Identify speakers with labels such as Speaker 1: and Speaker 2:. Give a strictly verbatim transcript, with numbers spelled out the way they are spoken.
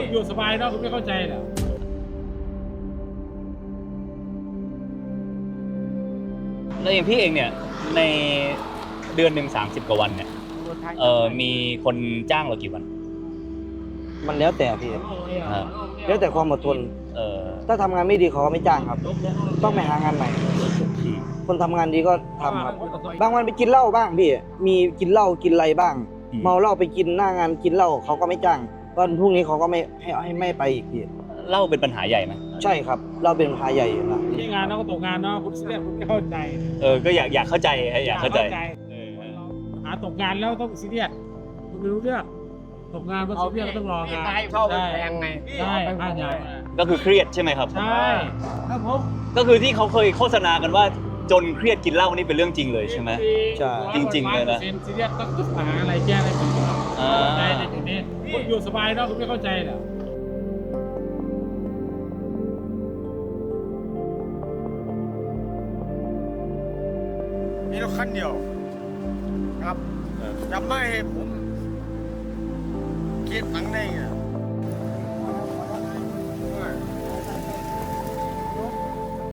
Speaker 1: อยู่สบายเนาะคุณไม่เข้าใจเหรอ
Speaker 2: แล้วอย่างพี่เองเนี่ยในเดือนหนึ่งสามสิบกว่าวันเนี่ยเออมีคนจ้างเรากี่วัน
Speaker 3: มันแล้วแต่พี่
Speaker 2: อ่า
Speaker 3: แล้วแต่ความอดทน
Speaker 2: เออ
Speaker 3: ถ้าทำงานไม่ดีเขาก็ไม่จ้างครับ ต้องไปหางานใหม่ คนทำงานดีก็ทำครับ บางวันไปกินเหล้าบ้างพี่มีกินเหล้ากินอะไรบ้าง เมาเหล้าไปกินหน้างานกินเหล้าเขาก็ไม่จ้างวันพรุ่งนี้เขาก็ไม่ให้ให้ไม่ไปอีกพี่
Speaker 2: เหล้าเป็นปัญหาใหญ่ไหม
Speaker 3: ใช่ครับ เราเป็นพาใหญ่อยู่นะ
Speaker 1: ที่งานเนาะก็ตกงานเนาะคุณเสียคุณไม่เข้าใจ
Speaker 2: เออก็อยากอยากเข้าใจอยากเข้าใจเออ
Speaker 1: หาตกงานแล้วต้องซีเรียสคุณไม่รู้เรื่องตกงานก็ซีเรียสก็ต้องรองาน
Speaker 4: เข้าไปแพงไง
Speaker 1: ใช่บ้านใหญ่
Speaker 2: ก็คือเครียดใช่ไหมครับ
Speaker 1: ใช่ครับผม
Speaker 2: ก็คือที่เขาเคยโฆษณากันว่าจนเครียดกินเหล้านี่เป็นเรื่องจริงเลยใช่ไหม
Speaker 3: ใช่
Speaker 2: จริงๆเลยนะ
Speaker 1: ซีเรียสต้องต้องหาอะไรแก้อะไรผม
Speaker 2: อ่า
Speaker 1: ใจในจุดนี้คุณอยู่สบายเนาะคุณไม่เข้าใจเหรอ
Speaker 4: มีรถคันเดียวครับจะไม่ให้ผมเก็บตังค์ได้ไง